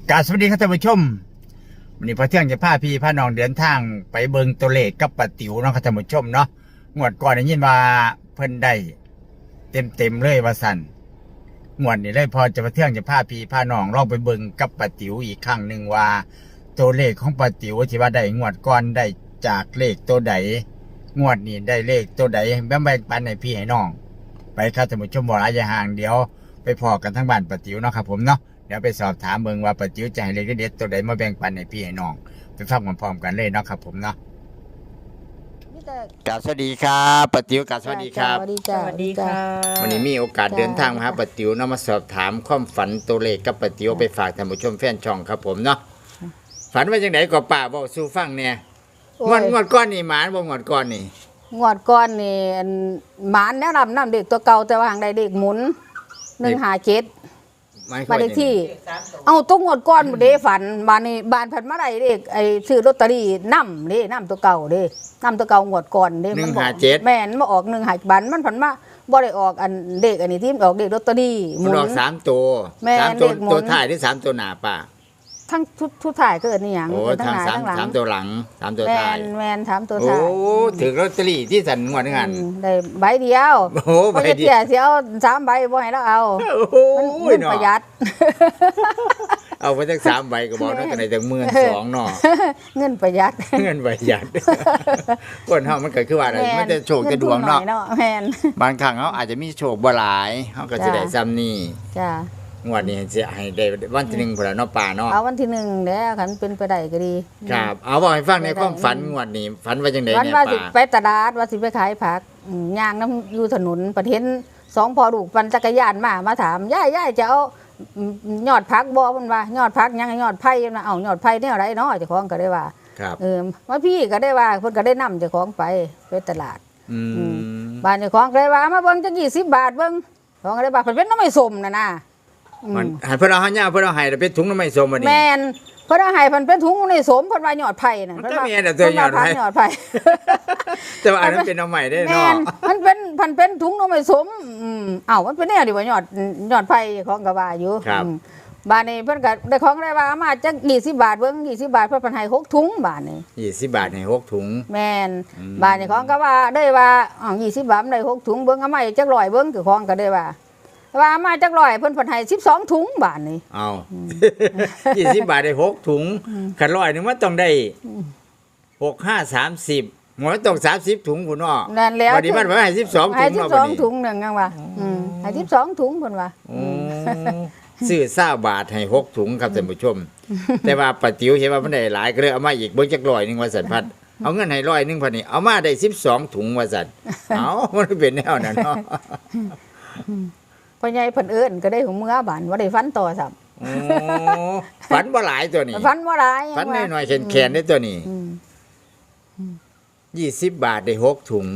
กราบสวัสดีครับท่านผู้ชมวันนี้พอเที่ยงจะพาพี่พาน้องเดินทางไปเบิงตัวเลขกับป้าติ๋วเนาะครับท่านผู้ชมเนาะงวดก่อนได้ยินว่าเพิ่นได้เต็มเลยว่าสั่นงวดนี้เลยพอจะพอเที่ยงจะพาพี่พาน้องลองไปเบิงกับป้าติ๋วอีกครั้งหนึ่งว่าตัวเลขของป้าติ๋วที่ว่าได้งวดก่อนได้จากเลขตัวใดงวดนี้ได้เลขตัวใดแบ่งปันให้พี่ให้น้องไปครับท่านผู้ชมบ่หลายอย่าห่างเดี๋ยวไปพอกันทั้งบ้านป้าติ๋วเนาะครับผมเนาะเดี๋ยวไปสอบถามเบิ่งว่าป้าติ๋วจะให้เลขเด็ดตัวใดมาแบ่งปันให้พี่ให้น้องไปฟังพร้อมๆกันเลยเนาะครับผมเนาะกราบสวัสดีครับป้าติ๋วกราบสวัสดีครับสวัสดีจ้าสวัสดีค่ะวันนี้มีโอกาสเดินทางมาหาป้าติ๋วเนาะมาสอบถามความฝันตัวเลขกับป้าติ๋วไปฝากท่านผู้ชมแฟนช่องครับผมเนาะฝันว่าจังไดก็ป้าบอกสู่ฟังเนี่ยงวดก้อนนี่หมานบ่งวดก้อนนี่งวดก่อนนี่อันหมานแนะนำเด็กตัวเก่าแต่ว่าหางใดเด็กหมุน157 หมายควาบ้าม นเลขว่าที่ เอาตุ้งงวดก่อนเด้ฝันบ้านนี้บ้านผันมาได้เด็กไอ้ซื้อลอตเตอรี่นำตัวเก่าเด้นำตัวเก่างวดก่อนเด้มันบอกแม่นมาออก157บันมันผันมาบ่ได้ออกอันเด็กอันนี้ที่ออกเด็กลอตเตอรี่หมัมุนนออก3ตัวแม่น 3ตัวเลขหมุนตัวท้ายหรือ3ตัวหน้าป้าทั้งทุกถ่ายก็เอิ้นนี่หยังโอ้ทั้งทางหน้าทั้งหลัง 3ตัวหลัง3ตัวแม่ท้ายนถามตัวโอ้ถ่ายถึงลอตเตอรี่ที่สันงวดนึงอันได้ใบเดียวโอ้โหใบเดียวเสียเอา3ใบบ่ให้เราเอาโอ้โหมันเนาะประหยัดเอาไปตั้ง3ใบก็บอกเนาะกันได้ตั้ง12,000เนาะเงินประหยัดเงินประหยัดคนเฮามันก็คือว่าอะไรมันจะโชคจะดวงเนาะแม่นบางครั้งเขาอาจจะมีโชคบ่หลายเขาก็จะได้ซ้ำนี่จ้างวดนี้จะให้ได้วันที่1พุ่นล่ะเนาะป่าเนาะเอาวันที่1แล้วคันเป็นไปได้ก็ดีครับเอาบอกให้ฟังในความฝันงวดนี้ฝันว่าจังได๋วันเนี่ยว่าสิป่าไปตลาดว่าสิไปขายผักย่างน้ำอยู่ถนนประเทศ2พ่อลูกปั่นจักรยานมาถามยายจะเอายอดผักบ่เพิ่นว่ายอดผักยังยอดไผ่นะเอายอดไผ่แนวใดเนาะเจ้าของก็ได้ว่าครับว่าพี่ก็ได้ว่าเพิ่นก็ได้นำเจ้าของไปตลาดอืมบ้านเจ้าของก็ได้ว่ามาเบิ่งจัก20 บาทเบิ่งของก็ได้ว่าเพิ่นเป็นน้ำไม่ส้มน่ะอืมมันให้เพิ่นเอาหาย่าเพิ่นเอาให้แล้วเป็นถุงน้ำไม้ส้มบัดนี้แม่นเพิ่นเอาให้เพิ่นเป็นถุงในสมเพิ่นว่ายอดไผ่น่ะมันก็มีอันเดียวตัวยอดไผ่ยอดไผ่แต่ว่าอันนั้นเป็นเอาใหม่ได้แม่เนาะนมันเป็นถุงนมไม่สมอ้าวมันเป็นแนวดีว่ายอดไผ่ของก็ว่าอยู่บ้านนี้เพิ่นก็ได้ของได้ว่ามาจัก20 บาทเบิ่ง20 บาทเพิ่นเพิ่นให้6ถุงบ้านนี้ 20 บาทให้6ถุงแม่นบ้านนี้ของก็ว่าได้ว่าอ้าว20 บาทมันได้6ถุงเบิ่งเอามาจัก100เบิ่งคือของก็ได้ว่ามาจัก100เพิ่นให้12ถุงบ้านนี้เอา20 บาทได้6ถุงคัน100นึงมันต้องได้6 5 30หมดต้อง30ถุงพุ่นเนาะนั่นแล้วบัดนี้มันว่าให้12ถุให้งเนาะบัดนี้ 12ถุงนึงจังว่าให้12ถุงเพิ่นว่าโอ้ซื้อ20บาทให้6ถุงครับท่านผู้ชม แต่ว่าป้าติ๋วเห็นว่ามันได้หลายก็เลยเอามาอีกเบิ่งจัก100นึงว่าซั่นพัดเอาเงินให้100นึงพัดนี่เอามาได้12ถุงว่าซั่นเอ้ามันเป็นแนวนั้นเนาะพ่อใหญ่เพิ่นเอิ้นก็ได้ของเมื่อบ้านบ่ได้ฟันต่อซ้ำโอ้ฝันบ่หลายตัวนี้ฟันบ่หลายฝันน้อยๆแข็งๆได้ตัวนี้20 บาทได้6ถุง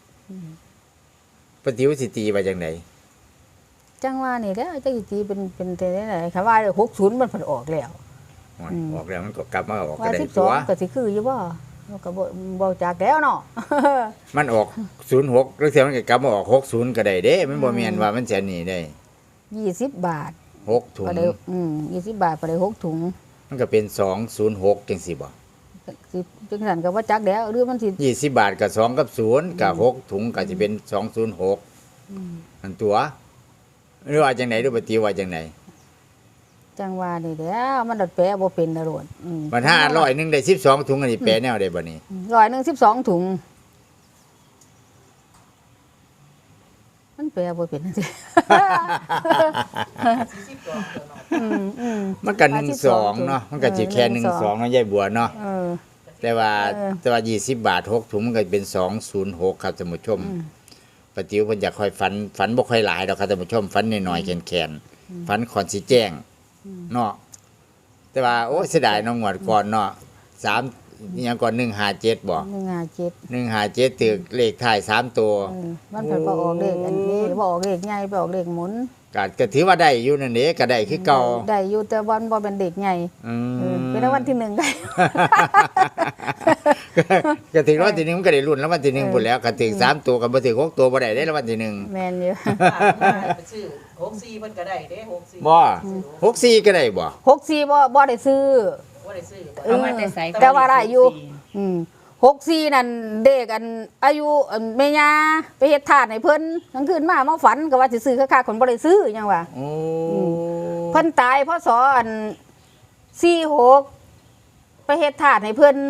ป้าติ๋วสิตีว่าจังได๋จังว่านี่แหล้วจังสิตีเป็นแต่ไหนคำว่า60มันเพิ่นออกแล้วออกแล้วมันก็กลับมาออกก็ว่าได้ตัว 12ก็สิคืออยู่บ่มันก็บ่จักแล้วเนาะมันออก06แล้วเสียมันก็กลับมาออก60ก็ได้เด้มันบ่แม่นว่ามันจะหนีได้ 20 บาท 6ถุงก็ได้20 บาทก็ได้6ถุงมันก็เป็น206จังซี่บ่สิจังซั่นก็บ่จักแล้วหรือมันสิ 20 บาทกับ2กับ0กับ6ถุงก็สิเป็น206อันตัวหรือว่าจังได๋ดูป้าติ๋วว่าจังได๋จังว่านี่แหล้วมันดัดแปลบ่เป็นดอกมัน500นึงได้12ถุงอันนี้แปลแนวได้บ่นี่ 112ถุงมันแปลบ่เป็นจังซี่มันก็12เนาะมันก็สิแค่12เนาะยายบัวเนาะแต่ว่า20 บาท6ถุงมันก็เป็น206ครับท่านผู้ชมป้าติ๋วเพิ่นอยากค่อยฝันบ่ค่อยหลายดอกครับท่านผู้ชมฝันน้อยๆแข็งๆฝันก่อนสิแจ้งเนาะแต่ว่าโอ้เสียดายเนาะงวดก่อนเนาะ3อีหยังก่อน157บ่ 157 157ตึกเลขท้าย3ตัวมันเพิ่นบ่ออกเลขอันนี้บ่ออกเลขใหญ่บ่ออกเลขหมุนก็ถือว่าได้อยู่นั่นเด้ก็ได้คือเก่าได้อยู่แต่วันบ่เป็นเด็กใหญ่เป็นรางวัลที่1ได้ก็ถึงรางวัลที่หนึ่งมันก็ได้ลุ้นรางวัลที่หนึ่งพุ่นแล้วก็ถึง3ตัวก็บ่ถึง6ตัวบ่ได้ได้รางวัลที่หนึ่งแม่นอยู่ไปซื้อ64เพิ่นก็ได้เด้64 บ่64ก็ได้บ่ 64บ่ได้ซื้อบ่ได้ซื้อเอามาแต่ไสแต่ว่าได้อยู่ 64นั่นเด็กอันอายุแม่ย่าไปเฮ็ดทานให้เพิ่นกลางคืนมาฝันก็ว่าสิซื้อคักๆคนบ่ได้ซื้อหยังว่าโอ้เพิ่นตายพศอัน46ไปเฮ็ดทานให้เพิ่น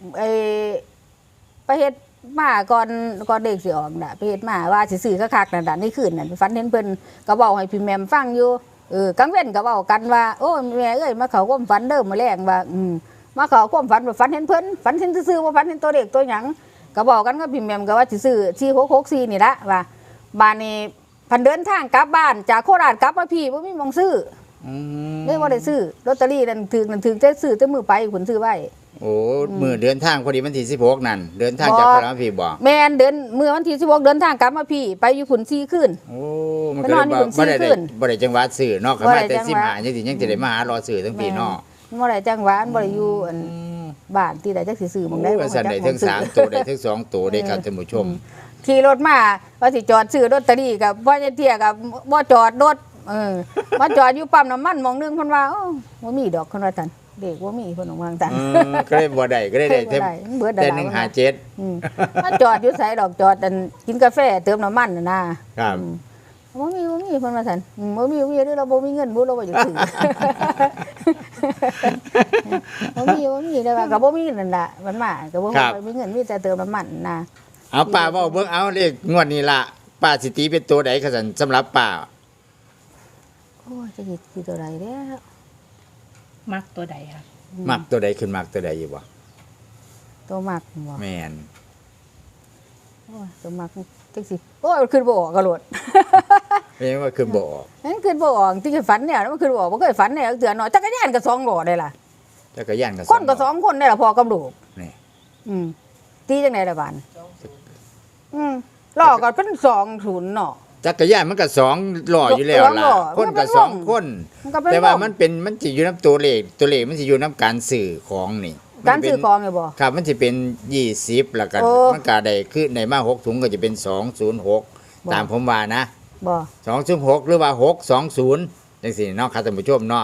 ไปเฮ็ดมาก่อนเด็กสิออกน่ะไปเฮ็ดมาว่าสิซื้อคักๆนั่นน่ะในคืนนั้นฝันเห็นเพิ่นก็เว้าให้พี่แหม่มฟังอยู่กลางเว้นก็เว้ากันว่าโอ้แม่เอ้ยมาเข้าความฝันเด้อมื้อแลงว่ามาเข้าความฝันว่าฝันเห็นเพิ่นฝันเห็นซื่อๆว่าฝันเห็นตัวเด็กตัวหยังก็บอกกันกับพี่แหม่มก็ว่าสิซื้อ4664นี่ละว่าบ้านนี้พันเดินทางกลับบ้านจากโคราชกลับมาพี่บ่มีหม้องซื้อเลยบ่ได้ซื้อลอตเตอรี่นั่นถึกแต่ซื้อแต่มือไปผลซื้อไว้โอ้มือเดินทางพอดีวันที่16นั่นเดินทางจากพระรามพี่บ่แม่นเดินมื้อวันที่16เดินทางกลับมาพี่ไปอยู่ผุน4คืนโอ้มันก็เลยบ่ได้บ่ได้จังหวัดซื้อเนาะก็มาแต่15จังสิยังสิได้มาหารอซื้อทั้งพี่เนาะบ่ได้จังหวัดบ่ได้อยู่อันบ้านที่ใดจักสิซื้อหม่องใดโอ้สั่นได้ทั้ง3ตัวได้ทั้ง2ตัวได้ครับท่านผู้ชมขี่รถมาว่าสิจอดซื้อลอตเตอรี่กับบ่จะเที่ยกับบ่จอดรถมาจอดอยู่ปั๊มน้ำมันหม่องนึงเพิ่นว่าโอ้บ่มีดอกเพิ่นว่าซั่นเด็กบ่มีเพิ่นว่าซั่นก็เลยบ่ได้ก็เลยได้แต่ 157มาจอดอยู่ไสดอกจอดอันกินกาแฟเติมน้ำมันน่ะนะครับ บ่มีเพิ่นว่าซั่นบ่มีเด้อเราบ่มีเงินบ่เราบ่อยากซื้อบ่มีได้ว่าก็บ่มีนั่นล่ะมันมาก็บ่มีเงินมีแต่เติมน้ำมันนะเอาป้าเว้าเบิ่งเอาเลขงวดนี้ล่ะป้าสิตีเป็นตัวใดคะซั่นสำหรับป้าโอ้ยจะสิตัวใดแล้วมักตัวใดค่ะมักตัวใดขึ้นมักตัวใดอยู่บ่ตัวมักบ่แม่นโอ้ยตัวมักจังสิโอ้ยมันขึ้นบ่ออกกระโดดแม่นว่าขึ้นบ่ออกนั่นขึ้นบ่ออกที่เคยฝันเนี่ยมันขึ้นบ่ออกบ่เคยฝันเนี่ยเตือนหน่อยจักรยานก็2ล้อได้ล่ะจักรยานก็คนก็2คนได้ล่ะพอกับลูกนี่ตีจังได๋ล่ะบานล้อก็เป็น20เนาะจักรยานมันก็2ล้ออยู่แล้วล่ะคนก็2คนแต่ว่ามันสิอยู่นํตัวเลขมันสิอยู่นํการซื้อของนี่การซื้อของเนี่ยบ่ครับมันสิเป็น20แล้วก็โอ้มันก็ได้คือในมา6ถุงก็จะเป็น206ตามผมว่านะบ่ 206หรือว่า620จังซี่เนาะครับท่านผู้ชมเนาะ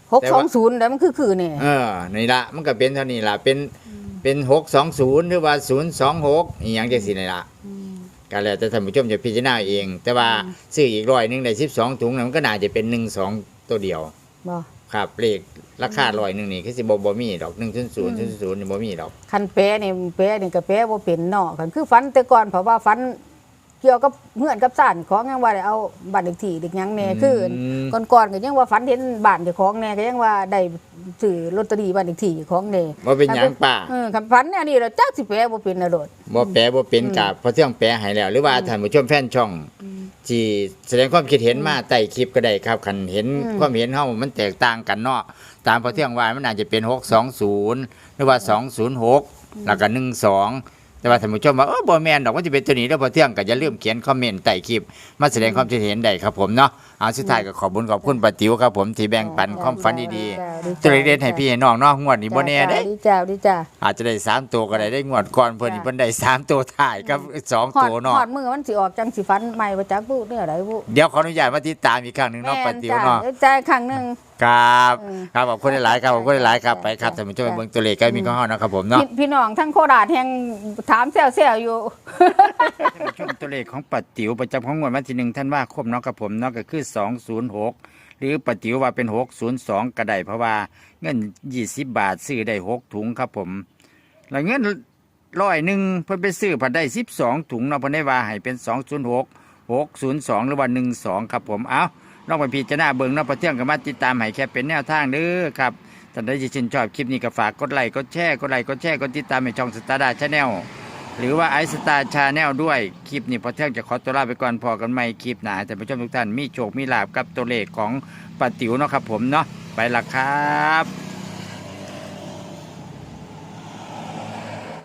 620แล้วมันคือนี่นี่ละมันก็เป็นเท่านี้ละเป็น620หรือว่า026อีหยังจังซี่นี่ละก็แล้วแต่ท่านผู้ชมจะพิจารณาเอง แต่ว่าซื้ออีก100นึงได้12ถุงมันก็น่าจะเป็น12ตัวเดียวบ่ครับเลขราคา100นึงนี่คือสิบ่มีดอก100นี่บ่มีดอกคันแปรนี่ก็แปรบ่เป็นเนาะคันคือฝันแต่ก่อนเพราะว่าฝันเกี่ยวกับเฮือนกับซ่านของยังว่าได้เอาบ้านเลขที่เด็กหยังแน่คือก่อนๆก็ยังว่าฝันเห็นบ้านเจ้าของแน่ก็ยังว่าได้ซื้อลอตเตอรี่บ้านเลขที่ของแน่บ่เป็นหยังป้าคันฝันแนวนี้แล้วจักสิแปลบ่เป็นน่ะโดดบ่แปลบ่เป็นกับเพราะเที่ยงแปลให้แล้ว หรือว่าท่านผู้ชมแฟนช่องที่แสดงความคิดเห็นมาใต้คลิปก็ได้ครับคันเห็นความเห็นเฮามันแตกต่างกันเนาะตามเพราะเที่ยงว่ามันอาจจะเป็น620หรือว่า206แล้วก็12แต่ว่าท่านผู้ชมว่าบ่แม่นดอกมันสิเป็นตัวนี้แล้วพอเที่ยงก็อย่าลืมเขียนคอมเมนต์ใต้คลิปมาแสดงความคิดเห็นได้ครับผมเนาะเอาสุดท้ายก็ขอบคุณป้าติ๋วครับผมที่แบ่งปันความฝันดีๆตัวเล็กๆให้พี่ให้น้องเนาะงวดนี้บ่แน่เด้ดีจ้าอาจจะได้3ตัวก็ได้งวดก่อนเพิ่นนี่เพิ่นได้3ตัวท้ายกับ2ตัวเนาะฮอดมือมันสิออกจังสิฝันใหม่บ่จักบุเนี่ยไดบุเดี๋ยวขออนุญาตมาติดตามอีกครั้งหนึงเนาะป้าติ๋วเนาะจ่ายครั้งนึงครับครับขอบคุณหลายๆครับขอบคุณหลายๆครับไปครับท่านผู้ชมไปเบิ่งตัวเลขใกล้มีของเฮานะครับผมเนาะพี่น้องทั้งโคราชแห่งถามแซวๆอยู่ชมตัวเลขของป้าติ๋วประจำของงวดวันที่1ธันวาคมเนาะครับผมเนาะก็คือ206หรือป้าติ๋วว่าเป็น602ก็ได้เพราะว่าเงิน20บาทซื้อได้6ถุงครับผมแล้วเงิน100เพิ่นไปซื้อผัดได้12ถุงเนาะเพิ่นได้ว่าให้เป็น206 602หรือว่า12ครับผมเอาลองไปพิจารณาเบิ่งเนาะพอเที่ยงก็มาติดตามให้แค่เป็นแนวทางเด้อครับท่านใดที่ชื่นชอบคลิปนี้ก็ฝากกดไลค์กดแชร์กดติดตามให้ช่องสตาร์ดาชาแนลหรือว่าไอสตาร์ชาแนลด้วยคลิปนี้พอเที่ยงจะขอตัวลาไปก่อนพอกันใหม่คลิปหน้าแต่ผู้ชมทุกท่านมีโชคมีลาภกับตัวเลขของป้าติ๋วเนาะครับผมเนาะไปละครับ